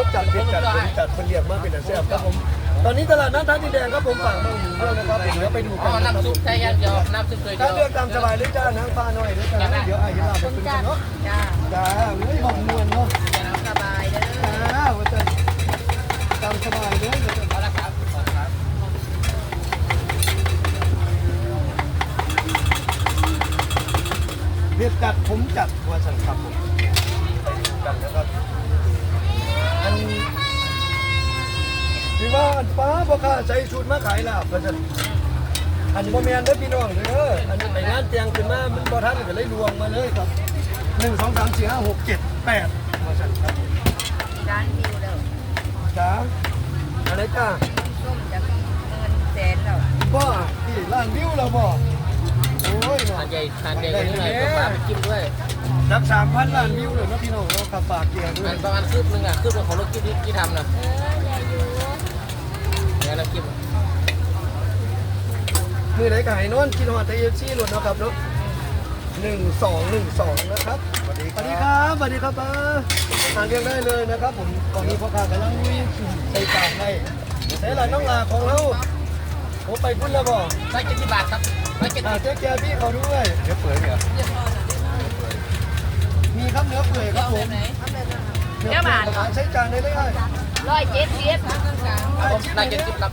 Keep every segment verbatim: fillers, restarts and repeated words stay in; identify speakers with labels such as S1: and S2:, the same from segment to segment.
S1: สจัดเผ็ดจัดผมจัดคนเรียกมาเป็นอาเซียนครับผมตอนนี้ตลาดนัดท่าดินแดงครับผมฝากมาอยู่ด้วยนะครับเดี๋ยวไปดูกันนะครับ
S2: น้ำซุปใช่ยังเดียวน้ำซุปเคยเดี
S1: ถ้า
S2: ยว
S1: เลือกตามสบายเลยจ้านางฟ้าหน่อยเลยจ้าเดี๋ยวไอ้เห็นลาบเป็นเนาะ
S3: จ้า
S1: จ้าไม่บอกมวนเนาะ
S3: สบายเด้อ
S1: จ้าว่าจะตามสบายเลย
S2: เอาละครับครับ
S1: เรียกจัดผมจัดว่าสันครับผมไปดูกันนะครับอันที่ว่าอันฟ้าพ่อค้าใส่ชุดมาขายลาบว่าสันอันนี้บ่แม่นเด้อพี่น้องเด้ออันนี้ไปงานเตียงขึ้นมามันบ่ทันก็เลยลวงมาเลยครับหนึ่งสองสามสี่ห้าหกเจ็ดแปดว่าสันครับ
S3: ร้านวิวเด้อ
S1: จ้าอะไรจ้า
S3: ส้มจะเงินแสนแล้ว
S1: บ่ที่ร้านวิวเราบ่โอ้ยเนาะ
S2: ทานใหญ่ทานใหญ่นี่หน่อยปลาไปจิ้มด้วย
S1: นับสามพันล้านวิวเลยนะพี่น้องเราขับปากเกียร์ด้ว
S2: มั
S1: ย
S2: นประมาณคืบนึงอ่ะคืบนึงของรถกิ๊บที่ทำนะ
S3: เอออย่าอยู่
S2: เนี่ยน้ำจิ้ม
S1: มือไหนก็ให้นอนกินหอดไทยเอฟซีหลุดเนาะครับเนาะหนึ่งสองหนึ่งสองนะครับสวัสดีครับสวัสดีครับป้าทานเรียงได้เลยนะครับผมตอนนี้พ่อค้ากำลังใส่จานให้ใส่หลานน้องลาของเราผมไปพุ่นแล้วบ่
S2: ร้อยเจ็ดสิบบาทครับร้อยเจ็ด
S1: อ่า
S2: สิบ
S1: เจ๊แกพี่เขาด้วยเนื้อเปื่อยเหรอมีครับเนื้อเปื่อยครับผมเนื้อเปื่อยใช้จานได้เลย
S3: ร้อยเจ็ดสิบ
S2: ร้อยเจ็ดสิบครับ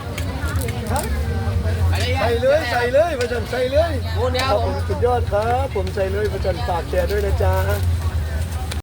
S1: ใส่เลยใส่เลยประจันใส่เลย
S2: โอ้เนี่ย
S1: ครับผมสุดยอดครับผมใส่เลยประจันฝากแชร์ด้วยนะจ๊ะ